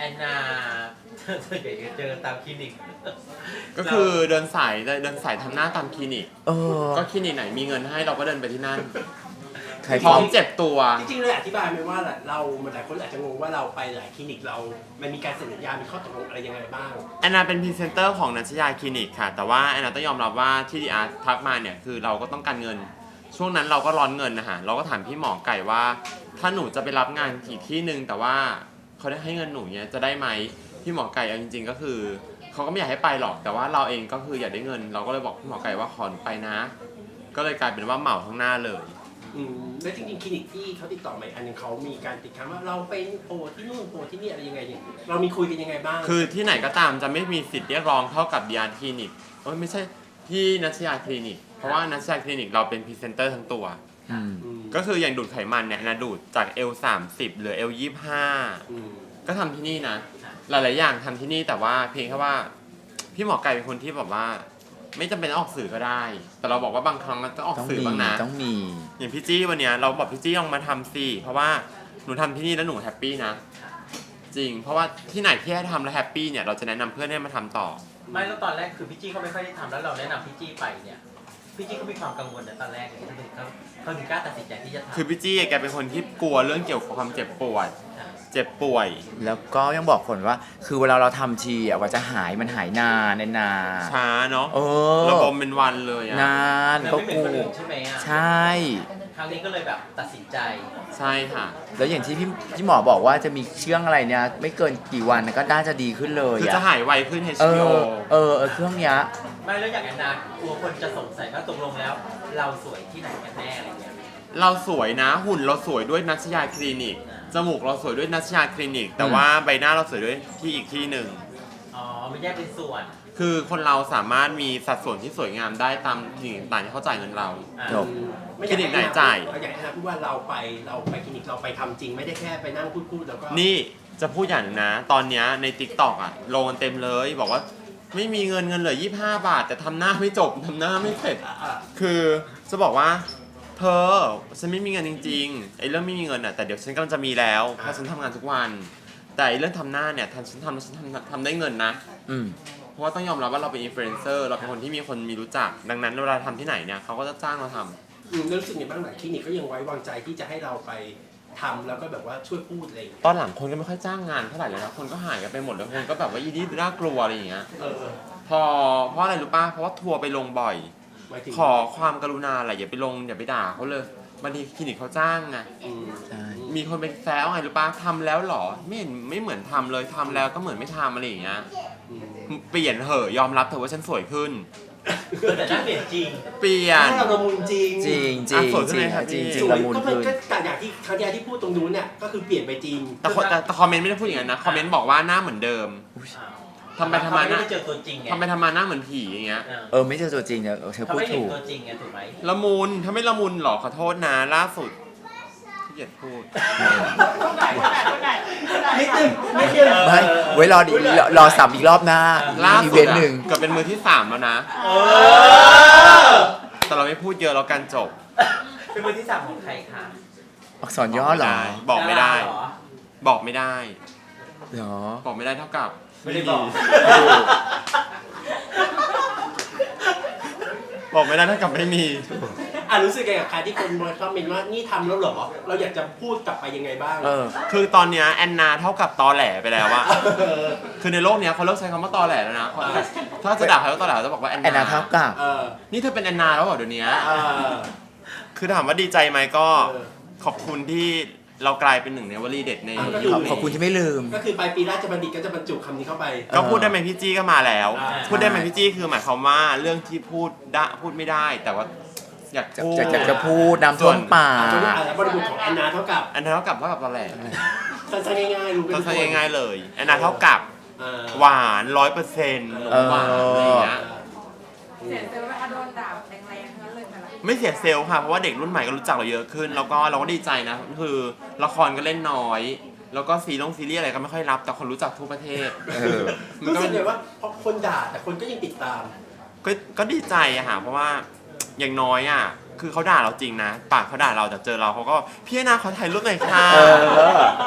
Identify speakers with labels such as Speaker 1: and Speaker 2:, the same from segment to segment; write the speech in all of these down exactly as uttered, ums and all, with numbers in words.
Speaker 1: อนนาส่วนใหญ่จะเจอตามคลินิก
Speaker 2: ก็คือเดินสายเดินสายทำหน้าตามคลินิก
Speaker 3: เออ
Speaker 2: ก็คลินิกไหนมีเงินให้เราก็เดินไปที่นั่น
Speaker 3: ใคร
Speaker 2: พร้อมเจ็บตัว
Speaker 4: จริงๆเลยอธิบายไหมว่าเรามันหลายคนอาจจะงงว่าเราไปหลายคลินิกเรา มันมีการเซ็นสัญญา มีข้อตกลงอะไรยังไงบ้าง
Speaker 2: แอนนาเป็นพรีเซนเตอร์ของนัชยาคลินิกค่ะแต่ว่าแอนนาต้องยอมรับว่าที่ดีอาร์ทักมาเนี่ยคือเราก็ต้องการเงินช่วงนั้นเราก็ร้อนเงินนะฮะเราก็ถามพี่หมอไก่ว่าถ้าหนูจะไปรับงานอีกที่นึงแต่ว่าเขาได้ให้เงินหนูเนี่ยจะได้ไหมพี่หมอไก่เอาจริงๆก็คือเขาก็ไม่อยากให้ไปหรอกแต่ว่าเราเองก็คืออยากได้เงินเราก็เลยบอกพี่หมอไก่ว่าขอหนูไปนะก็เลยกลายเป็นว่าเหมาทั้งหน้าเลย
Speaker 4: อืมแล้วจริงๆคลินิกที่เขาติดต่อมาอันนึงเขามีการติดค้างว่าเราเป็นโปรที่นู่นโปรที่นี่อะไรยังไงอย่างเรามีคุยกันยังไงบ้าง
Speaker 2: คือที่ไหนก็ตามจะไม่มีสิทธิ์เรียกร้องเท่ากับดีอาร์คลินิกเอ้ยไม่ใช่ที่นัชยาคลินิกเพราะว่านัชยาคลินิกเราเป็นพรีเซนเตอร์ทั้งตัวก็คืออย่างดูดไขมันเนี่ยนะดูดจาก เอล สามสิบเหลือ เอล ยี่สิบห้า ก็ทำที่นี่นะหลายๆอย่างทำที่นี่แต่ว่าเพียงแค่ว่าพี่หมอไก่เป็นคนที่แบบว่าไม่จำเป็นต้องออกสื่อก็ได้ แต่เราบอกว่าบางครั้งมันต้องออกสื่อบ้างนะ
Speaker 3: ต้องมี
Speaker 2: อย่างพี่จี้วันเนี้ยเราบอกพี่จี้ลองมาทำสิเพราะว่าหนูทำที่นี่แล้วหนูแฮปปี้นะจริงเพราะว่าที่ไหนที่ให้ทำแล้วแฮปปี้เนี่ยเราจะแนะนำเพื่อนให้มาทำต่อ
Speaker 1: ไม่แล้วตอนแรกคือพี่จี้เขาไม่ค่อยได้ทำแล้วเราแนะนำพี่จี้ไปเนี่ยพี่จี้เขามีความกังวลในตอนแรกเลยเขาถึงเขาเขาถึงกล้าตัดสินใจที่จะทำ
Speaker 2: คือพี่จี้แกเป็นคนที่กลัวเรื่องเกี่ยวกับความเจ็บปวดเจ็บป่วย
Speaker 3: แล้วก็ยังบอกคนว่าคือเวลาเราทำทีอ่ะว่าจะหายมันหายนานนาน
Speaker 2: ช้าเนาะ
Speaker 3: เออ
Speaker 2: ระบมเป็นวันเลยอะ
Speaker 3: นาน
Speaker 1: ก็กูใช่ไหมอ่ะ
Speaker 3: ใช่
Speaker 1: ครั้งนี้ก็เลยแบบตัดสินใจ
Speaker 2: ใช่ค่ะ
Speaker 3: แล้วอย่างที่พี่พี่หมอบอกว่าจะมีเชื่องอะไรเนี่ยไม่เกินกี่วันก็น่าจะดีขึ้นเลย
Speaker 2: คือจะหายไวขึ้น เอช
Speaker 3: เอ
Speaker 2: พี โอ
Speaker 3: อเออเออเครื่องเนี้ย
Speaker 1: ไม่แล้วอย่างแอนนากลัวคนจะสงสัยว่าตกลงแล้วเราสวยที่ไหนกันแน่อะไรเงี้ย
Speaker 2: เราสวยนะหุ่นเราสวยด้วยนัชยาคลินิกจมูกเราสวยด้วยนัชยาคลินิกแต่ว่าใบหน้าเราสวยด้วยที่อีกที่หนึ่ง
Speaker 1: อ๋อไม่แยกเป็นส่วน
Speaker 2: คือคนเราสามารถมีสัดส่วนที่สวยงามได้ตามคลินิกต่างที่เขาจ่ายเงินเรา
Speaker 3: จบ
Speaker 2: คลินิกไหนจ่าย
Speaker 4: อยากให้นะพูดว่าเราไปเราไปคลินิกเราไปทำจริงไม่ได้แค่ไปนั่งพูดๆแล้วก็
Speaker 2: นี่จะพูดอย่างนึงนะตอนนี้ใน ติ๊กต็อก อ่ะลงกันเต็มเลยบอกว่าไม่มีเงินเงินเหลือยี่สิบห้าบาทแต่ทำหน้าไม่จบทำหน้าไม่เสร็จคือจะบอกว่าเธอฉันไม่มีเงินจริงๆไอ้เรื่องไม่มีเงินอ่ะแต่เดี๋ยวฉันกำลังจะมีแล้วเพราะฉันทำงานทุกวันแต่ไอ้เรื่องทำหน้าเนี่ยฉันทำฉันทำทำได้เงินนะ
Speaker 3: อืม
Speaker 2: เพราะว่าต้องยอมรับว่าเราเป็นอินฟลูเอนเซอร์เราเป็นคนที่มีคนมีรู้จักดังนั้นเวลาทำที่ไหนเนี่ยเขาก็จะจ้างเราทำ
Speaker 4: อืมรู้สึกยังไงบ้างหลายคลินิกก็ยังไว้วางใจที่จะให้เราไปทำแล้วก็แบบว่าช่วยพูดอะไร
Speaker 2: ตอนหลังคนก็ไม่ค่อยจ้างงานเท่าไหร่เลยนะคนก็หายกันไปหมดแล้วคนก็แบบว่าอีนี่น่ากลัวอะไรอย่างเงี้ยพอเพราะอะไรรู้ป่ะเพราะว่าทัวร์ไปลงบ่อยขอความกรุณาอะไรอย่าไปลงอย่าไปด่าเขาเลยบางทีคลินิกเขาจ้างไงมีคนไปแซวไงรู้ป่ะทำแล้วหรอไม่เห็นไม่เหมือนทำเลยทำแล้วก็เหมือนไม่ทำอะไรอย่างเงี้ยเปลี่ยนเหอะยอมรับเถอะว่าฉันสวยขึ้น
Speaker 1: แต่หน้าเปลี่ยนจริง
Speaker 2: เปลี่ยน
Speaker 4: เราละมุนจริง
Speaker 3: จริงจริงจริงจริงจริงละมุน
Speaker 4: ขึ้นก็แต่อย่างที่ครั้งที่พูดตรงนู้นเนี่ยก็คือเปลี่ยนไปจริง
Speaker 2: แต่แต่คอมเมนต์ไม่ได้พูดอย่างนั้นนะคอมเมนต์บอกว่าหน้าเหมือนเดิมทำไปทำมาหน้า
Speaker 1: ไม่เจอตัวจริงไง
Speaker 2: ทำไปทำมาหน้าเหมือนผีอย่างเงี้ย
Speaker 3: เออไม่เจอตัวจริงเนี่ยเธอพูดถูก
Speaker 1: ตัวจริงไงถูกไหม
Speaker 2: ละมุนถ้าไม่ละมุนหรอขอโทษนะล่าสุดที่เหยียดพูด
Speaker 4: นิดนึงไม่เชื่อ
Speaker 3: ไม่ไว้รอดีรอสับอีกรอบหน้าอีเวนต์หนึ่ง
Speaker 2: เกือบเป็นมือที่สามแล้วนะแต่เราไม่พูดเยอะแล้วกันจบ
Speaker 1: เป็นมือที่สามของใครคะ
Speaker 3: อักษรย่อหรอ
Speaker 2: บอกไม่ได้บอกไม่ได้
Speaker 3: หรอ
Speaker 2: บอกไม่ได้เท่ากับ
Speaker 1: ไม่ได้บอก
Speaker 2: บอกไม่ได้เท่ากับไม่มี
Speaker 4: อ่ะรู้สึกไงกับการที่คนมาคอมเมนต์ว่านี่ทำแล้วเหรอเราอยากจะพูดกลับไปยังไงบ้าง
Speaker 2: เออคือตอนเนี้ยแอนนาเท่ากับตอแหลไปแล้วอะคือในโลกเนี้ยเขาเลิกใช้คำว่าตอแหลแล้วนะถ้าจะด่าใครว่าตอแหลจะบอกว่าแอน
Speaker 3: นาเท่ากับ
Speaker 2: นี่เธอเป็นแอนนาแล้วเหรอเดี๋ยวนี้คือถามว่าดีใจไหมก็ขอบคุณที่เรากลายเป็นหนึ่งในวลีเด็ดในยุคนี้
Speaker 3: ขอบคุณที่ไม่ลืม
Speaker 4: ก็คือปลายปีราชบัณฑิตก็จะบรรจุคำนี้เข้าไป
Speaker 2: ก็พูดได้ไหมพี่จี้ก็มาแล้วพูดได้ไหมพี่จี้คือหมายความว่าเรื่องที่พูดได้พูดไม่ได้แต่ว่าอยากพูด
Speaker 3: จะจะพูดน้ำท่วมป่า
Speaker 4: บริบทของแอนนาเท่ากับ
Speaker 2: แอนนาเท่ากับเท่ากับตอนแรก
Speaker 4: สั้นๆง่ายๆรู้
Speaker 2: กันสั้นๆง่ายๆเลยแอนนาเท่ากับหวานร้อยเปอร์เซ็นต์หวานอะไรอย่างเงี้ย
Speaker 5: เสียเซลล์ว่าโดนด่าแรงๆนั้นเลยแต่ละ
Speaker 2: ไม่เสียเซลล์ค่ะเพราะว่าเด็กรุ่นใหม่ก็รู้จักเราเยอะขึ้นแล้วก็เราก็ดีใจนะคือละครก็เล่นน้อยแล้วก็ซีรีส์ซีรีส์อะไรก็ไม่ค่อยรับแต่คนรู้จักทั่วประเทศ
Speaker 4: รู้สึกเลยว่าเพราะคนด่าแต่คนก็ยังติดตาม
Speaker 2: ก็ก็ดีใจอะค่ะเพราะว่าอย่างน้อยอะคือเขาด่าเราจริงนะปากเขาด่าเราแต่เจอเราเขาก็พี่นาขอถ่ายรูปหน่อยค่ะ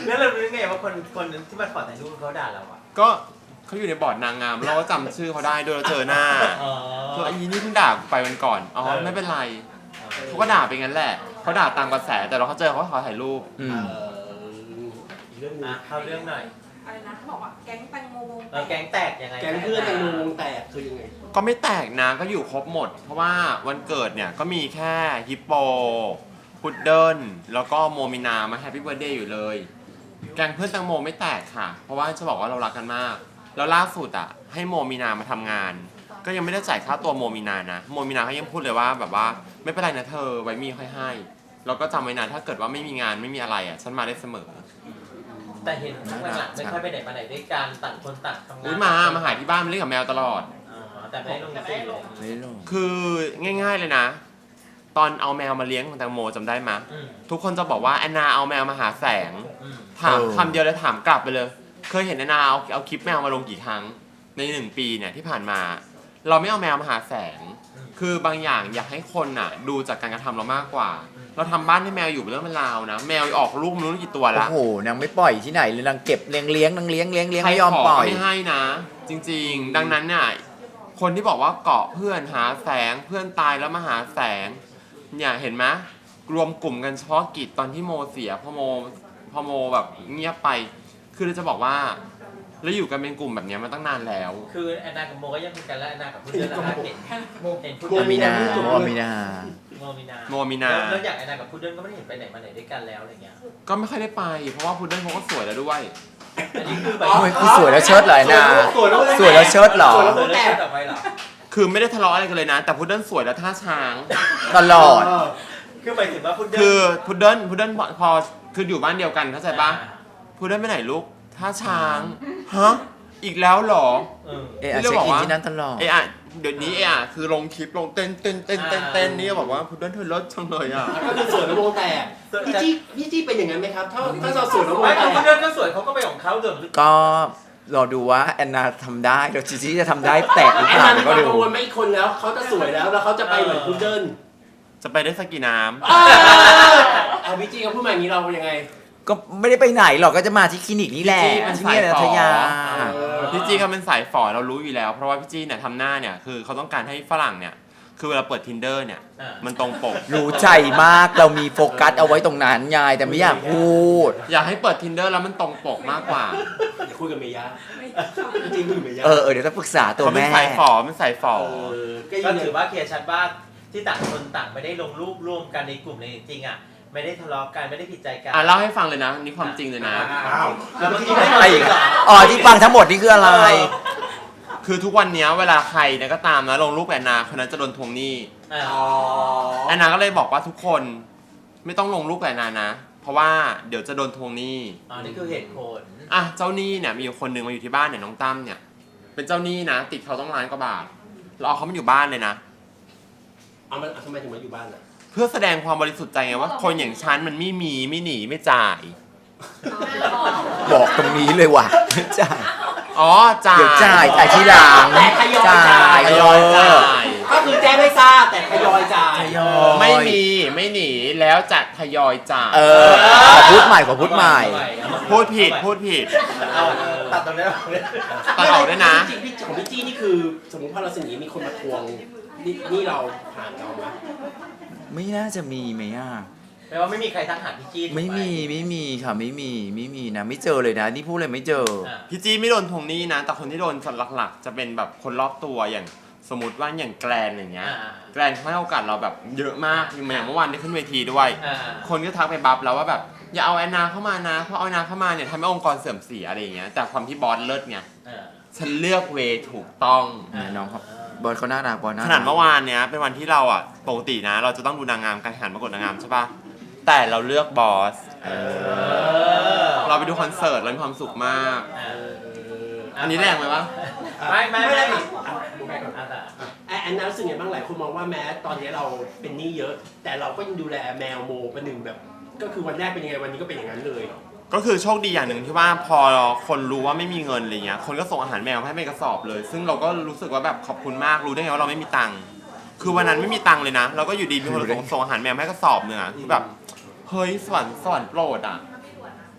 Speaker 1: แล้วเรารู้ไงว่าคนคนที่มาขอถ่ายรูปเขาด่าเราอ่ะ
Speaker 2: ก็เขาอยู่ในบอร์ดนางงามเราก็จำชื่อเขาได้โดยเราเจอหน้า
Speaker 1: อ๋อ
Speaker 2: คือไอ้นี่เพิ่งด่าไปวันก่อนอ๋อไม่เป็นไรเขาก็ด่าไปงั้นแหละเขาด่าตามกระแสแต่เราเขาเจอเขาขอถ่ายรูป
Speaker 3: อื
Speaker 4: เอ
Speaker 3: ม
Speaker 4: ออีกเรื่องหนึง
Speaker 1: อ่ะเข้าเรื่องหน่อย
Speaker 5: อะไรนะเขาบอกว่าแก๊งแตงโมวง
Speaker 1: เออแก๊งแตกยังไง
Speaker 4: แก๊งเพื่อนแตงโมวงแตกคือยังไง
Speaker 2: ก็ไม่แตกนะก็อยู่ครบหมด เพราะว่าวันเกิดเนี่ยก็มีแค่ฮิปโปพุดเดิ้ลแล้วก็โมมินามาแฮปปี้เบิร์ดเดย์อยู่เลย แกงเพื่อนแตงโมไม่แตกค่ะ เพราะว่าจะบอกว่าเรารักกันมาก แล้วล่าสุดอ่ะให้โมมินามาทำงาน ก็ยังไม่ได้จ่ายค่าตัวโมมินานะโมมินาเขายังพูดเลยว่าแบบว่าไม่เป็นไรนะเธอไว้มีค่อยให้เราก็จำไว้นะถ้าเกิดว่าไม่มีงานไม่มีอะไรอ่ะฉันมาได้เสมอ
Speaker 1: แต่เห็นช่วงหลังๆไม่ค่อยไปไหนมาไหนด้วยกันต่างคนต่างทำงาน
Speaker 2: อุ้ยมามาหาที่บ้านมาเล่นกับแมวตลอด
Speaker 1: อ๋อแต่ไม่ได้ลงสีเลย
Speaker 3: ไม่ได้ลง
Speaker 2: คือง่ายๆเลยนะ ตอนเอาแมวมาเลี้ยงของแตงโมจำได้ไหม
Speaker 1: อืม
Speaker 2: ทุกคนจะบอกว่าแอนนาเอาแมวมาหาแสง
Speaker 1: อืม
Speaker 2: ถามคำเดียวเลยถามกลับไปเลย เคยเห็นแอนนาเอาเอาคลิปแมวมาลงกี่ครั้งในหนึ่งปีเนี่ยที่ผ่านมา เราไม่เอาแมวมาหาแสง คือบางอย่างอยากให้คนอ่ะ ดูจากการกระทำเรามากกว่า เราทำบ้านให้แมวอยู่เป็นเรื่องเป็นราวนะแมวออกลูกไม่รู้กี่ตัว
Speaker 3: โอ้
Speaker 2: ละ
Speaker 3: โหนางไม่ปล่อยที่ไหนเลยนางเก็บเลี้ยงเลี้ยงนางเลี้ยงเลี้ยงเลี้ยง
Speaker 2: ใคร
Speaker 3: ไม่ยอม
Speaker 2: ขอ
Speaker 3: ปล่
Speaker 2: ก็
Speaker 3: อย
Speaker 2: ไม่ให้นะ จริงๆ ดังนั้นเนี่ยคนที่บอกว่าเกาะเพื่อนหาแสงเพื่อนตายแล้วมาหาแสงเนี่ยเห็นไหมรวมกลุ่มกันเฉพาะกิจตอนที่โมเสียพอโมพอโมแบบเงียบไป คือเราจะบอกว่าแล้วอยู่กันเป็นกลุ่มแบบเนี้ยมาตั้งนานแล้ว
Speaker 1: คือแอนนากับโมก็ยังคุยกันแล้วแอนนากับพุดเดิ้ลแล้วนะเห็นเห็นพุด
Speaker 3: โม
Speaker 1: เดิ้ล
Speaker 3: มีนาโมมีนา
Speaker 1: โมมีนา
Speaker 2: โมมีนา
Speaker 1: แล้วแล้วอย่างแอนนากับพุดเดิ้ลก็ไม่ได้เห็นไปไหนมาไหนด้วยกันแล้วอะไรเงี้ย
Speaker 2: ก็ไม่ค่อยได้ไป เพราะว่าพุดเดิ้ลเขาก็สวยแล้วด้วย
Speaker 1: อันนี้คือแบบ
Speaker 3: โอ้ยคือสวยแล้วเชิดเลยนะ
Speaker 4: สวยแล้ว
Speaker 3: สวยแล้วเชิดเหรอ
Speaker 4: สวยแล้ว
Speaker 1: เออ
Speaker 4: แต
Speaker 1: แล้ว
Speaker 4: ก
Speaker 1: ต่อไปเหรอ
Speaker 2: คือไม่ได้ทะเลาะอะไรกันเลยนะ แต่พุดเดิ้ลสวยแล้วท่าช้าง
Speaker 3: ตลอด
Speaker 1: คือหมายถึงว่าพุดเดิ้ล
Speaker 2: คือพุดเดิ้ลพุดเดิ้ลพอคืออยู่บ้านเดียวกันเข้าใจปะพุดเดิ้ลไปไหนลูกท่าช้างฮะอีกแล้วเหรอ
Speaker 1: เออ
Speaker 3: เออเช็คอินที่นั่นตลอด
Speaker 2: เออะเดี๋ยวนี้เออะคือลงคลิปลงเต้นเต้นเต้นเต้นเต้นนี่บอกว่าพุดเดิ้ลเธอเลิศจังเลยอ่ะ
Speaker 4: ก็คือสวยแล้ววงแตกพี่จี้พี่จี้เป็นอย่างนั้นไหมครับ ถ้าถ้าเราสวยแล้ววง
Speaker 1: ไม่
Speaker 4: แต
Speaker 1: แต่
Speaker 4: ก
Speaker 1: พุดเดิ้ลก็สวยเขาก็ไปของเขาเดิม
Speaker 3: ก็รอดูว่าแอนนาทำได้เดี๋ยวจีจี้จะทำได้แตกหรือ
Speaker 4: แอ
Speaker 3: เป
Speaker 4: น
Speaker 3: ล่า
Speaker 4: นามีค
Speaker 3: ก็
Speaker 4: วาม
Speaker 3: ดู
Speaker 4: กังวลไหมอีกคนแล้วเขาจะสวยแล้วแล้วเขาจะไปเหมือนพุดเดิ้ล
Speaker 2: จะไปได้สักกี่น้
Speaker 4: เอาพี่จี้เขาพูดมาอย่างนี้เรายังไง
Speaker 3: ก็ไม่ได้ไปไหนหรอกก็จะมาที่คลินิกนี่แหละ
Speaker 2: ำ
Speaker 3: ที่นี่นะทยา
Speaker 4: เออ
Speaker 2: พี่จี้เขาเป็นสายฝอเรารู้อยู่แล้ว เพราะว่าพี่จี้เนี่ยทำหน้าเนี่ยคือเขาต้องการให้ฝรั่งเนี่ยคือเวลาเปิด tinder เนี่ยมันตรงปก
Speaker 3: รู้ใจมากเรามีโฟกัสเอาไว้ตรงนั้นไงแต่ไม่อยากพูด
Speaker 2: อยากให้เปิด tinder แล้วมันตรงปกมากกว่า
Speaker 4: เดี๋ยวคุยกับเมย่าพี่จี้คุยกับเมย่า
Speaker 3: เออเออเดี๋ยวต้องปรึกษาตัว
Speaker 2: เขาเป็น
Speaker 3: แม่
Speaker 2: สายฝอเป็นสายฝอ
Speaker 4: เออก็
Speaker 1: ก็
Speaker 4: ยัง
Speaker 1: ถือว่าเคลียร์ชัดว่าที่ต่างคนต่างไม่ได้ลงรูปร่วมกันในกลุ่มในจริงๆอ่ะไม่ได้ทะเลาะกันไม่ได้ผิดใจกัน
Speaker 2: อ่ะเล่าให้ฟังเลยนะนี่ความจริงเลยนะ
Speaker 4: อ้าว
Speaker 1: แล้วเมื่อกี้
Speaker 3: อะไรอีกอะอ๋อที่ฟังทั้งหมดนี่คืออะไร
Speaker 2: คือทุกวันเนี้ยเวลาใครเนี่ยก็ตามนะลงรูปแอนนาคนนั้นจะโดนทวงหนี้
Speaker 1: อ่า
Speaker 4: อ๋อ
Speaker 2: แอนนาก็เลยบอกว่าทุกคนไม่ต้องลงรูปแอนนานะ เพราะว่าเดี๋ยวจะโดนทวงหนี้
Speaker 1: อ๋อนี่คือเหตุผล
Speaker 2: อ่ะเจ้าหนี้เนี่ยมีอยู่คนหนึ่งมาอยู่ที่บ้านเนี่ยน้องตั้มเนี่ยเป็นเจ้าหนี้นะ ติดเขาต้องล้านกว่าบาทเราเอาเขามาอยู่บ้านเลยนะ
Speaker 4: เอามันทำไมถึงมาอยู่บ้านอ่ะ
Speaker 2: เพื่อแสดงความบริสุทธิ์ใจไงว่าคนอย่างฉันมันไม่มีไม่หนีไม่จ่าย
Speaker 3: บอกตรงนี้เลยว่ะจ่าย
Speaker 2: อ๋อจ่าย
Speaker 3: เดี๋ยวจ่ายจ่ายทีหลัง
Speaker 4: แต่ทยอยจ่าย
Speaker 2: ทยอยจ่าย
Speaker 4: ก็คือแจ้งให้ทราบแต่ทยอยจ่าย
Speaker 3: ทยอย
Speaker 2: ไม่มีไม่หนีแล้วจะทยอยจ่าย
Speaker 3: เออขอพูดใหม่ขอพูดใหม่
Speaker 2: พูดผิดพูดผิด
Speaker 1: เอาตัดตรงนี้ออกเลย
Speaker 2: ตัดออกด้วยนะ
Speaker 4: จริงๆพี่ของพี่จี้นี่คือสมมติพอเราเสนอมีคนมาทวงนี่นี่เราผ่านเราไหม
Speaker 3: ไม่น่าจะมีไหมอ่ะ
Speaker 1: แปลว่าไม่มีใครทักหาพี่จี้ถูกห
Speaker 3: ไม่มีไม่มีค่ะไม่มีไม่มีนะไม่เจอเลยนะนี่พูดเลยไม่เจอ
Speaker 1: อ่า
Speaker 2: พี่จี้ไม่โดนทวงหนี้นะ แต่คนที่โดนหลักๆ จะเป็นแบบคนรอบตัวอย่างสมมติว่าอย่างแกรนอย่างเงี้ย
Speaker 1: อ่า
Speaker 2: แกรนเขาให้โอกาสเราแบบเยอะมากอย่างเมื่อวานได้ขึ้นเวทีด้วย
Speaker 1: อ่า
Speaker 2: คนก็ทักไปบัฟแล้วว่าแบบอย่าเอาแอนนาเข้ามานะเพราะเอาแอนนาเข้ามาเนี่ยทำให้องค์กรเสื่อมเสียอะไรอย่างเงี้ยแต่ความที่บอสเลิศไง
Speaker 1: อ่า
Speaker 2: ฉันเลือกเวย์ถูกต้อง
Speaker 3: อ่าน้องครับ บอลเขาน่ารักบอลน่า
Speaker 2: ข
Speaker 3: รัก
Speaker 2: นาดเมื่อวานเนี้ยเป็นวันที่เราอ่ะปกตินะ เราจะต้องดูนางงามการแข่งขันประกวดนางงามใช่ปะแต่เราเลือกบอส
Speaker 3: เอ
Speaker 1: เอ
Speaker 3: อ
Speaker 1: อ
Speaker 2: เราไปดูคอนเสิร์ตเรามีความสุขมาก
Speaker 1: อ่า
Speaker 2: อันนี้แรงไหมวะ
Speaker 1: ไม่ไม่ไม่
Speaker 4: ได้
Speaker 1: ไม่
Speaker 4: อ่ะดูไปก่อน
Speaker 1: อ่า
Speaker 4: แอนแอนนารู้สึกไงบ้างหลายคนมองว่าแม้ตอนนี้เราเป็นหนี้เยอะ แต่เราก็ยังดูแลแมวโมประหนึ่งแบบ ก็คือวันแรกเป็นยังไงวันนี้ก็เป็นอย่างนั้นเลย
Speaker 2: ก็คือโชคดีอย่างหนึ่งที่ว่าพอคนรู้ว่าไม่มีเงินอะไรเงี้ยคนก็ส่งอาหารแมวให้เป็นกระสอบเลย ซึ่งเราก็รู้สึกว่าแบบขอบคุณมากรู้ได้ไงว่าเราไม่มีตังค์คือวันนั้นไม่มีตังค์เลยนะเราก็อยู่ดีมีคนส่งส่งอาหารแมวให้กระสอบเนื้อะคือแบบเฮ้ยสวรรค์สวรรค์โปรดอ่ะ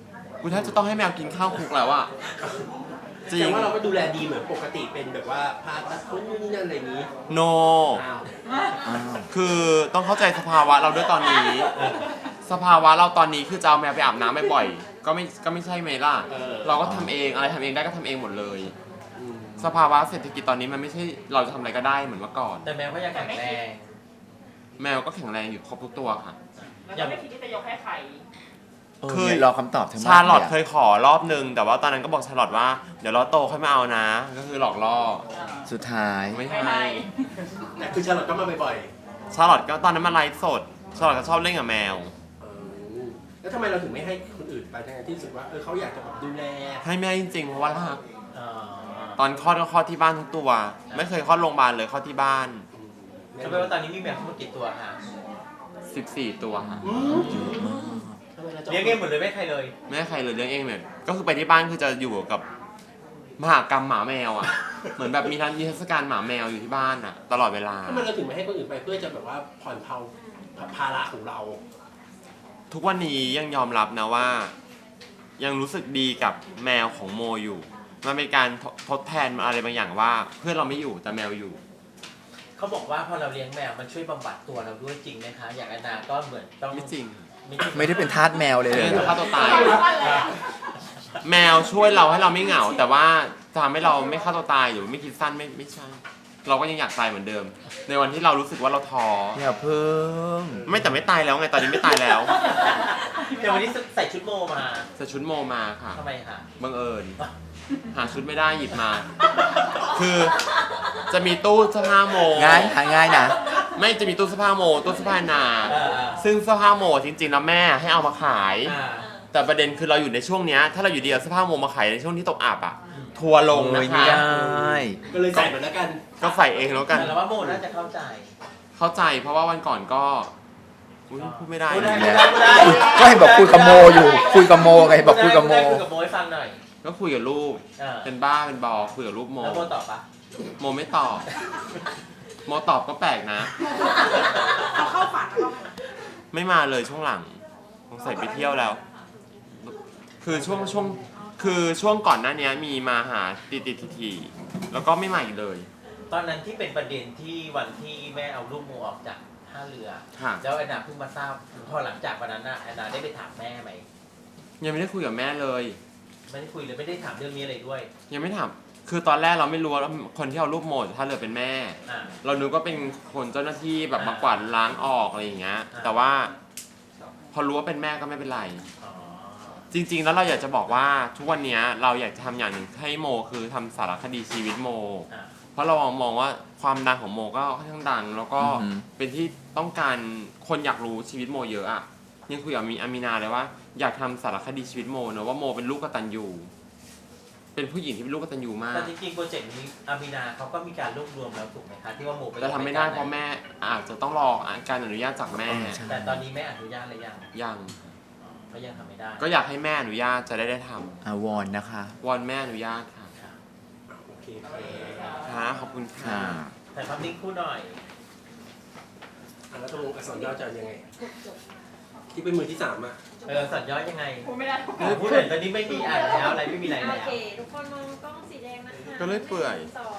Speaker 2: กูแทบจะต้องให้แมวกินข้าวคลุกแล้วอะจริ
Speaker 4: แต่
Speaker 2: ง
Speaker 4: ว่าเราก็ดูแลดีเหมือนปกติเป็นแบบว่าพาตัดคนนู่นนี่นั่นอะไรอย่างนี้
Speaker 2: โน
Speaker 4: อ้าว
Speaker 3: อ้าว
Speaker 2: คือต้องเข้าใจสภาวะเราด้วยตอนนี้ สภาวะเราตอนนี้คือจะเอาแมวไปอาบน้ำบ่อยๆก็ไม่ก็ไม่ใช่ไหมล่ะ เราก็ทำเองอะไรทำเองได้ก็ทำเองหมดเลย
Speaker 4: อืม
Speaker 2: สภาวะเศรษฐกิจตอนนี้มันไม่ใช่เราจะทำอะไรก็ได้เหมือนเมื่อก่อน
Speaker 1: แต่แมวก็ยังแข็งแรง
Speaker 2: แมวก็แข็งแรงอยู่ครบทุกตัวค่ะ
Speaker 5: แล้วก็ไม่คิดที่จะยกให้ใคร
Speaker 3: เออ
Speaker 2: เคย
Speaker 3: เนี่ยรอคำตอบทั้งหมด
Speaker 2: ชาลอต
Speaker 3: นี่
Speaker 2: เคยขอรอบนึง แต่ว่าตอนนั้นก็บอกชาลอตว่าเดี๋ยวเราโตค่อยมาเอานะ ก็คือหลอกล่อ
Speaker 3: สุดท้าย
Speaker 2: ไม่
Speaker 5: ไม่
Speaker 2: ให้
Speaker 5: ให้
Speaker 4: แต่คือชาลอตก็มาบ่อย
Speaker 2: ชาลอตก็ตอนนั้นมาไลฟ์สดชาลอตก็ชอบเล่นกับแมว
Speaker 4: ๆเออแล้วทำไมเราถึงไม่ให้คนอื่นไปทั้งที่รู้สึกว่าเออเขาอยากจะแบบดูแล
Speaker 2: ให้แม่จริงๆเพราะว่ารัก
Speaker 1: เอ่อ
Speaker 2: ตอนคลอดก็คลอดที่บ้านทุกตัว ไม่เคยคลอดโรงพยาบาลเลยคลอดที่บ้าน
Speaker 1: จะเป็นว่าตอนนี้มีแมวทั้งหมดกี่ตัวคะ
Speaker 2: สิบสี่ตัวค่ะ
Speaker 4: อืมทำไมเราจะ
Speaker 1: เลี้ยงเองหมดเลยไม่ใครเลย
Speaker 2: ไม่ให้ใครเลยเลี้ยงเองเนี่ยก็คือไปที่บ้านคือจะอยู่กับมหากรรมหมาแมวอ่ะ เหมือนแบบมีร้านนิทรรศการหมาแมวอยู่ที่บ้านอ่ะ ตลอดเวลา
Speaker 4: ทำไมเราถึงไม่ให้คนอื่นไปเพื่อจะแบบว่าผ่อนเผาภาระของเรา
Speaker 2: ทุกวันนี้ยังยอมรับนะว่า ยังรู้สึกดีกับแมวของโมอยู่ มันเป็นการททดแทนอะไรบางอย่างว่า เพื่อนเราไม่อยู่แต่แมวอยู่
Speaker 1: เขาบอกว่าพอเราเลี้ยงแมวมันช่วยบำบัดตัวเราด้วยจริงไหมคะ อย่างอนาก็เหมือนต้อง
Speaker 2: ไม่จริง
Speaker 1: ไม่จริง
Speaker 3: ไม่ได้เป็นทาสแมวเลย
Speaker 2: ไม่
Speaker 3: เหร
Speaker 2: ได้
Speaker 3: อ
Speaker 2: ฆ่าตัวตาย
Speaker 1: อ่า
Speaker 2: แมวช่วยเราให้เราไม่เหงา แต่ว่าจะทำให้เราไม่ฆ่าตัวตายหรือไม่คิดสั้นไม่ไม่ใช่ เราก็ยังอยากตายเหมือนเดิม ในวันที่เรารู้สึกว่าเราท้อ
Speaker 3: อย่าเพิ่ง
Speaker 2: ไม่แต่ไม่ตายแล้วไงตอนนี้ไม่ตายแล้ว
Speaker 1: เดี๋ยววันนี้ใส่ชุดโมมา
Speaker 2: ใส่ชุดโมมาค่ะ
Speaker 1: ทำไมคะ
Speaker 2: บังเอิญหาชุดไม่ได้หยิบมา คือจะมีตู้เสื้อผ้าโม
Speaker 3: ง่ายหาง่ายนะ
Speaker 2: ไม่จะมีตู้เสื้อผ้าโมตู้เสื้อผ้านา
Speaker 1: เออ
Speaker 2: ซึ่งเสื้อผ้าโมจริงๆแล้วแม่ให้เอามาขาย
Speaker 1: อ่า
Speaker 2: แต่ประเด็นคือเราอยู่ในช่วงเนี้ยถ้าเราอยู่ดีเอาเสื้อผ้าโมมาขายในช่วงที่ตกอับอ่ะ ทัวร์ลงนะ
Speaker 3: โอ้ย
Speaker 2: คะ
Speaker 3: ไม่ได้
Speaker 4: ก็เลยใส่เหมือนแล้วกัน
Speaker 2: ก็ใส่เองแล้วกัน
Speaker 1: แต่เราว่าโมน่าจะเข้าใจ
Speaker 2: เข้าใจเพราะว่าวันก่อนก็อุ๊ยพูดไม่ได้
Speaker 1: พูดได้
Speaker 2: นะ
Speaker 1: พูดได้พูดได้
Speaker 3: ก็เห็นบอกคุยกับโมอยู่ คุยกับโมไงบอกคุยกับโม
Speaker 1: คุยกับโมให้ฟังหน่อย
Speaker 2: ก็คุยกับลูก
Speaker 1: เออ
Speaker 2: เป็นบ้าเป็นบอคุยกับลูกโม
Speaker 1: แล้วโมตอบปะ
Speaker 2: โมไม่ตอบ โมตอบก็แปลกนะ
Speaker 5: เขาเข้าฝันแล้วก็
Speaker 2: ไม่มาเลยช่วงหลังสงสัยไปเที่ยวแล้ว คือช่วงช่วงคือช่วงก่อนหน้านี้มีมาหาติดติดทีทีๆแล้วก็ไม่มาอีกเลย
Speaker 1: ตอนนั้นที่เป็นประเด็นที่วันที่แม่เอาลูกโมออกจากท่าเรือ
Speaker 2: ค่ะ
Speaker 1: แล้วแอนนาเพิ่งมาทราบพอหลังจากวันนั้นน่ะแอนนาได้ไปถามแม่ไหม
Speaker 2: ยังไม่ได้คุยกับแม่เลย
Speaker 1: ไม่ได้คุยเลยไม่ได้ถามเรื่องนี้อะไรด้วย
Speaker 2: ยังไม่ถามคือตอนแรกเราไม่รู้ว่าคนที่เอารูปโมจากท่าเรือเป็นแม่
Speaker 1: อ่า
Speaker 2: เรานึกว่าเป็นคนเจ้าหน้าที่แบบ
Speaker 1: อ่าม
Speaker 2: มากวาดล้างออกอะไรอย่างเงี้ย
Speaker 1: อ่า
Speaker 2: แต่ว่า พอรู้ว่าเป็นแม่ก็ไม่เป็นไร
Speaker 1: อ๋อ
Speaker 2: จริง ๆ แล้วเราอยากจะบอกว่าทุกวันนี้เราอยากจะทำอย่างหนึ่งให้โมคือทำสารคดีชีวิตโม
Speaker 1: อ่า
Speaker 2: เพราะเรามองว่าความดังของโมก็ค่อนข้างดัง แล้วก็
Speaker 3: อือหือ
Speaker 2: เป็นที่ต้องการคนอยากรู้ชีวิตโมเยอะอะยังคุยกับมีอามีนาเลยว่าอยากทำสารคดีชีวิตโมเนอะว่าโมเป็นลูกกตัญญูเป็นผู้หญิงที่เป็นลูกกตัญญูมาก
Speaker 1: แต่จริงๆโปรเจกต์นี้อามินาเขาก็มีการรวบรวมแล้วถูกไหมคะที่ว่าโมไป
Speaker 2: แต่ทำไม่ได้เพราะแม่อาจจะต้องรอการอนุญาตจากแม่
Speaker 3: เออใช่
Speaker 1: แต่ตอนนี้แม่อนุญาตหรือยัง
Speaker 2: ยัง
Speaker 1: อ๋อก็ยังทำไม่ได้
Speaker 2: ก็อยากให้แม่อนุญาตจะได้ได้ท
Speaker 3: อาวอนนะคะ
Speaker 2: ำวอนแม่อนุญาตค่ะ
Speaker 1: ค่ะ
Speaker 4: โอเค
Speaker 2: ค่ะขอบคุณค่ะ
Speaker 3: ค่ะ
Speaker 1: แต่ภาพนิ่งคู่หน่อย
Speaker 4: อ่ะแล้วตกลงอักษรย่อจะยังไง ที่เป็นมือที่สามอ่ะ
Speaker 1: เออสัญย้อนยังไง
Speaker 5: พูดไม่ได้
Speaker 1: พูดหน่อยตอนนี้ไม่มีอ่านแล้วอะไรไม่มีอะไร
Speaker 6: โอ
Speaker 1: แล้ว
Speaker 6: เค ทุกคนมองกล้องสีแดงนะคะ
Speaker 2: ก็เลยเปื่อย
Speaker 6: สอง